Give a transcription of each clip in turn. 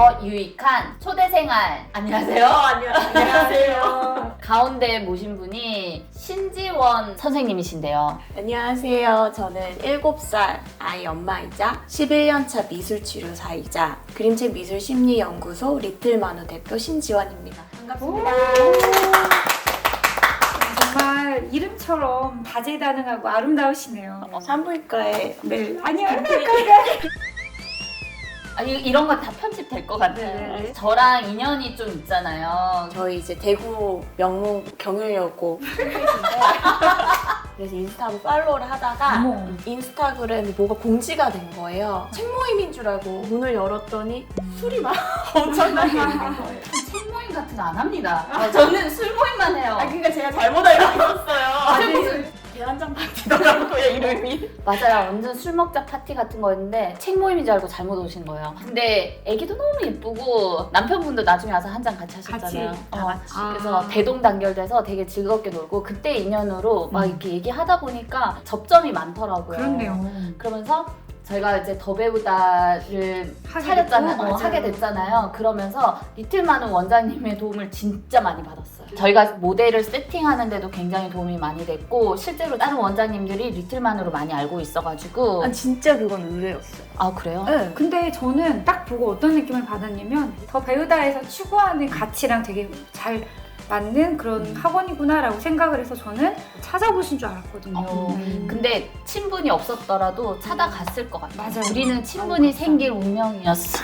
더 유익한 초대생활. 안녕하세요. 안녕하세요. 가운데 모신 분이 신지원 선생님이신데요. 안녕하세요. 저는 7살 아이 엄마이자 11년차 미술치료사이자 그림책 미술심리연구소 리틀마누 대표 신지원입니다. 반갑습니다. 정말 이름처럼 다재다능하고 아름다우시네요. 산부인과에 네. 아니요. 이런 건 다 편집될 것 같아요. 네. 저랑 인연이 좀 있잖아요. 저희 이제 대구 명문 경영여고 팬이신데 그래서 인스타로 팔로우를 하다가 어머. 인스타그램에 뭐가 공지가 된 거예요. 책 모임인 줄 알고 문을 열었더니 술이 막 엄청나게 있는 거예요. 책 모임 같은 거 안 합니다. 저는 술 모임만 해요. 그러니까 제가 잘못 알고 있었어요. 아니, 무슨 계란장 파티더라고요, 이름이. 맞아요. 완전 술 먹자 파티 같은 거였는데 책 모임인 줄 알고 잘못 오신 거예요. 근데 애기도 너무 예쁘고 남편분도 나중에 와서 한 잔 같이 하셨잖아요. 같이, 다 같이. 그래서 대동단결돼서 되게 즐겁게 놀고 그때 인연으로 막 이렇게 얘기하다 보니까 접점이 많더라고요. 그렇네요. 그러면서 저희가 이제 더 배우다를 하게 차렸잖아요. 됐고, 맞아요. 하게 됐잖아요. 그러면서 리틀마누 원장님의 도움을 진짜 많이 받았어요. 저희가 모델을 세팅하는데도 굉장히 도움이 많이 됐고 실제로 다른 원장님들이 리틀마누로 많이 알고 있어가지고 진짜 그건 의외였어요. 아 그래요? 네. 근데 저는 딱 보고 어떤 느낌을 받았냐면 더 배우다에서 추구하는 가치랑 되게 잘 맞는 그런 학원이구나라고 생각을 해서 저는 찾아보신 줄 알았거든요. 근데 친분이 없었더라도 찾아갔을 것 같아요. 맞아요. 우리는 친분이 생길 운명이었어.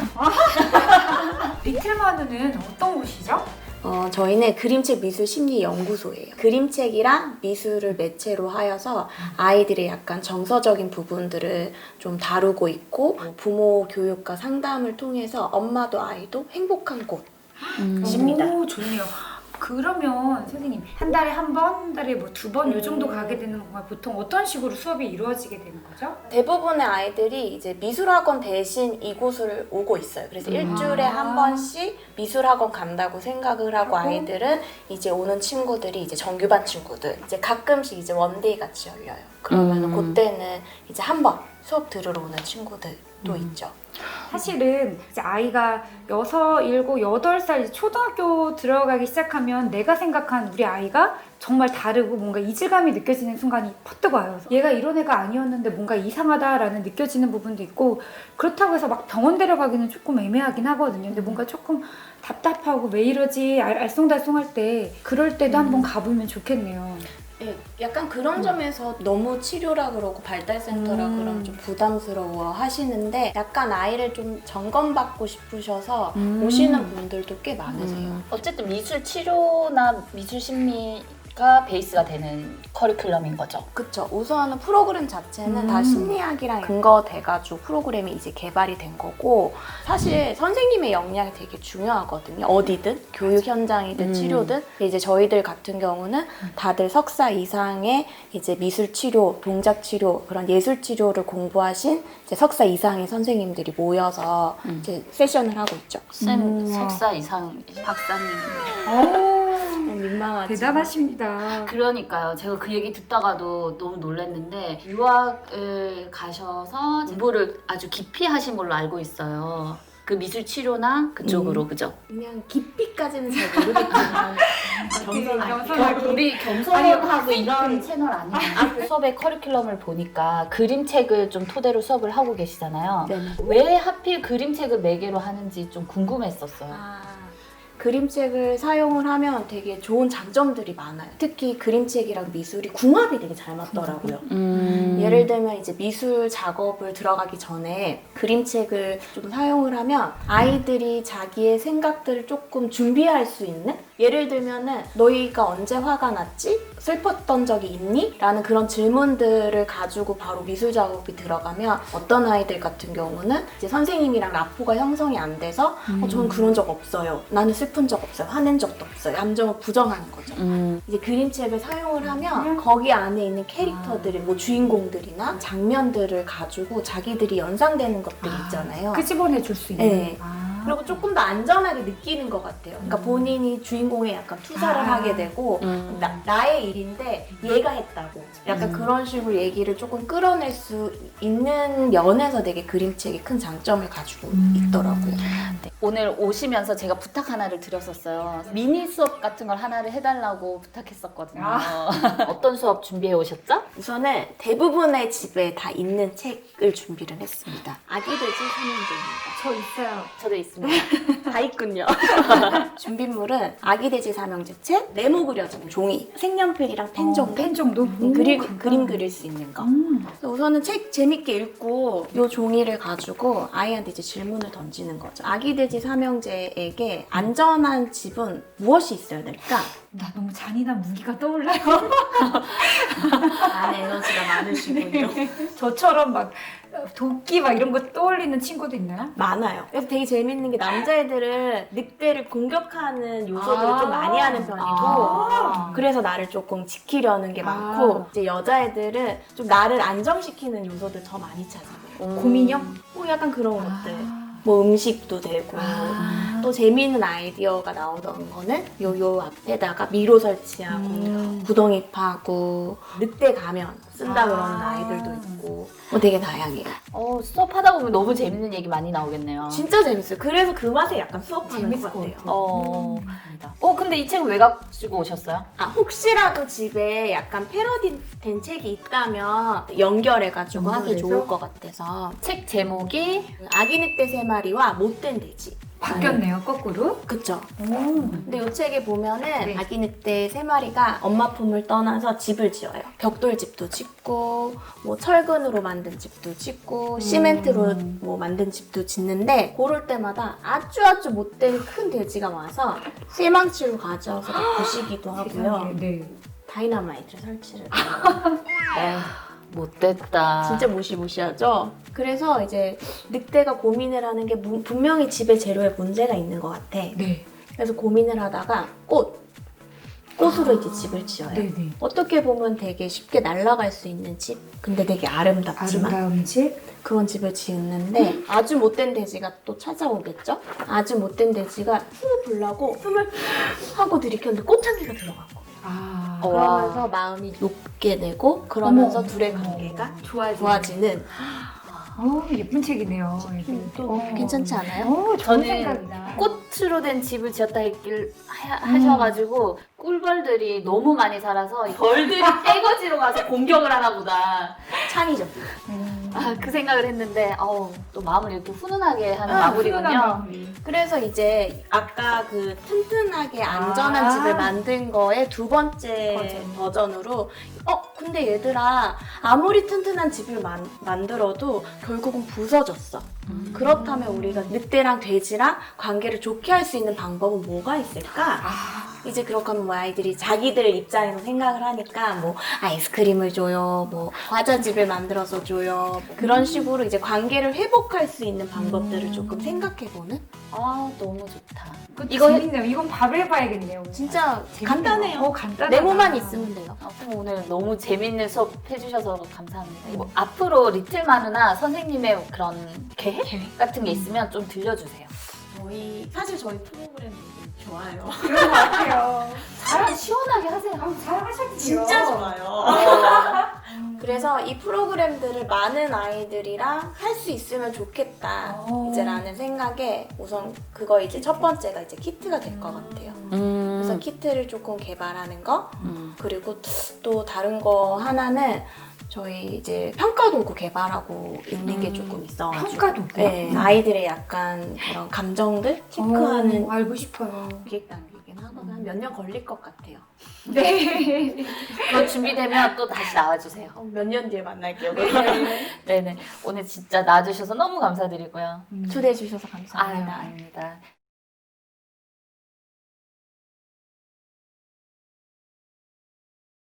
리틀마누는 어떤 곳이죠? 저희는 그림책 미술심리연구소예요. 그림책이랑 미술을 매체로 하여서 아이들의 약간 정서적인 부분들을 좀 다루고 있고 부모 교육과 상담을 통해서 엄마도 아이도 행복한 곳입니다. 오, 좋네요. 그러면 선생님 한 달에 한 번, 한 달에 뭐 2번 요 정도 가게 되는 건가요? 보통 어떤 식으로 수업이 이루어지게 되는 거죠? 대부분의 아이들이 이제 미술학원 대신 이곳을 오고 있어요. 그래서 일주일에 한 번씩 미술학원 간다고 생각을 하고 아이들은 이제 오는 친구들이 이제 정규반 친구들 이제 가끔씩 이제 원데이 같이 열려요. 그러면 그때는 이제 한 번 수업 들으러 오는 친구들도 있죠. 사실은 이제 아이가 6, 7, 8살 초등학교 들어가기 시작하면 내가 생각한 우리 아이가 정말 다르고 뭔가 이질감이 느껴지는 순간이 퍼뜩 와요. 얘가 이런 애가 아니었는데 뭔가 이상하다라는 느껴지는 부분도 있고 그렇다고 해서 막 병원 데려가기는 조금 애매하긴 하거든요. 근데 뭔가 조금 답답하고 왜 이러지 알쏭달쏭할 때 그럴 때도 한번 가보면 좋겠네요. 예, 약간 그런 점에서 너무 치료라 그러고 발달센터라 그러면 좀 부담스러워 하시는데 약간 아이를 좀 점검받고 싶으셔서 오시는 분들도 꽤 많으세요. 어쨌든 미술 치료나 미술 심리가 베이스가 되는 커리큘럼인 거죠. 그쵸. 우선은 프로그램 자체는 다 심리학이랑 근거돼가지고 프로그램이 이제 개발이 된 거고 사실 선생님의 역량이 되게 중요하거든요. 어디든 교육 현장이든 치료든 이제 저희들 같은 경우는 다들 석사 이상의 이제 미술 치료, 동작 치료 그런 예술 치료를 공부하신 이제 석사 이상의 선생님들이 모여서 이제 세션을 하고 있죠. 쌤 석사 이상 박사님. 민망하지. 대단하십니다. 그러니까요. 제가 그 얘기 듣다가도 너무 놀랐는데 유학을 가셔서 공부를 아주 깊이 하신 걸로 알고 있어요. 그 미술 치료나 그쪽으로 그죠? 그냥 깊이까지는 잘 모르겠지만 겸손하게. 우리 겸손하고 이런 채널 아니에요. 수업의 커리큘럼을 보니까 그림책을 좀 토대로 수업을 하고 계시잖아요. 네네. 왜 하필 그림책을 매개로 하는지 좀 궁금했었어요. 그림책을 사용을 하면 되게 좋은 장점들이 많아요. 특히 그림책이랑 미술이 궁합이 되게 잘 맞더라고요. 예를 들면 이제 미술 작업을 들어가기 전에 그림책을 좀 사용을 하면 아이들이 자기의 생각들을 조금 준비할 수 있는? 예를 들면은 너희가 언제 화가 났지? 슬펐던 적이 있니? 라는 그런 질문들을 가지고 바로 미술 작업이 들어가면 어떤 아이들 같은 경우는 이제 선생님이랑 라포가 형성이 안 돼서 저는 그런 적 없어요. 나는 슬픈 적 없어요. 화낸 적도 없어요. 감정을 부정하는 거죠. 이제 그림책을 사용을 하면 거기 안에 있는 캐릭터들이 뭐 주인공들이나 장면들을 가지고 자기들이 연상되는 것들이 있잖아요. 끄집어내 줄 수 있는. 네. 그리고 조금 더 안전하게 느끼는 것 같아요. 그러니까 본인이 주인공에 약간 투사를 하게 되고 나의 일인데 얘가 했다고 약간 그런 식으로 얘기를 조금 끌어낼 수 있는 면에서 되게 그림책이 큰 장점을 가지고 있더라고요. 네. 오늘 오시면서 제가 부탁 하나를 드렸었어요. 미니 수업 같은 걸 하나를 해달라고 부탁했었거든요. 어떤 수업 준비해 오셨죠? 우선은 대부분의 집에 다 있는 책을 준비를 했습니다. 아기돼지 삼형제입니다. 저 있어요. 저도 있습니다. 다 있군요. 준비물은 아기돼지 삼형제 책, 네모 그려진 종이, 색연필이랑 펜 정도. 펜 정도? 그림 그릴 수 있는 거. 그래서 우선은 책 재밌게 읽고 이 종이를 가지고 아이한테 이제 질문을 던지는 거죠. 아기돼지 삼형제에게 안전한 집은 무엇이 있어야 될까? 나 너무 잔인한 무기가 떠올라요. 안에 에너지가 많으시군요. 저처럼 막 도끼 막 이런 거 떠올리는 친구도 있나요? 많아요. 그래서 되게 재밌는 게 남자애들은 늑대를 공격하는 요소들을 좀 많이 하는 편이고 그래서 나를 조금 지키려는 게 많고 이제 여자애들은 좀 나를 안정시키는 요소들 더 많이 찾아요. 고민형? 뭐 약간 그런 것들. 뭐 음식도 되고 또 재미있는 아이디어가 나오던 거는 요 앞에다가 미로 설치하고 구덩이 파고 늑대 가면 쓴다 그러는 아이들도 있고 뭐 되게 다양해요. 수업하다 보면 너무 재밌는 얘기 많이 나오겠네요. 진짜 재밌어요. 그래서 그 맛에 약간 수업하는 재밌을 것 것 같아요. 근데 이 책은 왜 가지고 오셨어요? 혹시라도 집에 약간 패러디된 책이 있다면 연결해가지고 하기 연결해서? 좋을 것 같아서 책 제목이 아기 늑대 3마리와 못된 돼지. 바뀌었네요, 거꾸로. 그쵸? 오. 근데 이 책에 보면은 네. 아기 늑대 3마리가 엄마 품을 떠나서 집을 지어요. 벽돌집도 짓고 뭐 철근으로 만든 집도 짓고 시멘트로 뭐 만든 집도 짓는데 고를 때마다 아주 못된 큰 돼지가 와서 실망치로 가져와서 부시기도 하고요. 세상에, 네. 다이너마이트를 설치를 해요. 못됐다. 진짜 무시무시하죠? 그래서 이제 늑대가 고민을 하는 게 분명히 집에 재료에 문제가 있는 것 같아. 네. 그래서 고민을 하다가 꽃으로 이제 집을 지어요. 네네. 어떻게 보면 되게 쉽게 날아갈 수 있는 집? 근데 되게 아름답지만 아름다운 집. 그런 집을 지었는데 아주 못된 돼지가 또 찾아오겠죠? 아주 못된 돼지가 숨을 불라고 숨을 하고 들이켰는데 꽃향기가 들어가고 그러면서 마음이 높게 되고 그러면서 둘의 관계가 좋아지는 예쁜 책이네요. 또 괜찮지 않아요? 좋은 저는 생각이다. 꽃으로 된 집을 지었다 하셔가지고 꿀벌들이 너무 많이 살아서 벌들이 떼거지로 가서 공격을 하나 보다. 창이죠. 그 생각을 했는데 또 마음을 이렇게 훈훈하게 하는 마무리군요. 그래서 이제 아까 그 튼튼하게 안전한 집을 만든 거의 두 번째 버전으로 근데 얘들아 아무리 튼튼한 집을 만들어도 결국은 부서졌어. 그렇다면 우리가 늑대랑 돼지랑 관계를 좋게 할 수 있는 방법은 뭐가 있을까? 이제 그렇게 하면 뭐 아이들이 자기들 입장에서 생각을 하니까 뭐 아이스크림을 줘요, 뭐 과자집을 만들어서 줘요, 뭐 그런 식으로 이제 관계를 회복할 수 있는 방법들을 조금 생각해보는? 너무 좋다. 이거 재밌네요. 이건 밥을 해봐야겠네요. 진짜 재밌네요. 간단해요. 간단하다. 네모만 있으면 돼요. 오늘 너무 재밌는 수업 해주셔서 감사합니다. 앞으로 리틀마누나 선생님의 그런 계획 같은 게 있으면 좀 들려주세요. 사실 저희 프로그램 되게 좋아요. 그런 것 같아요. 시원하게 하세요. 잘하셨지요. 좋아요. 그래서 이 프로그램들을 많은 아이들이랑 할 수 있으면 좋겠다. 이제 라는 생각에 우선 그거 이제 첫 번째가 이제 키트가 될 것 같아요. 그래서 키트를 조금 개발하는 거 그리고 또 다른 거 하나는 저희 이제 평가 도구 개발하고 있는 게 조금 있어가지고 평가 도구? 네, 아이들의 약간 그런 감정들 체크하는 알고 싶어요. 기획 단계긴 하거나 한 몇 년 걸릴 것 같아요. 네. 그거 준비되면 또 다시 나와주세요. 몇 년 뒤에 만날게요. 네네. 오늘 진짜 나와주셔서 너무 감사드리고요. 초대해 주셔서 감사합니다. 아닙니다.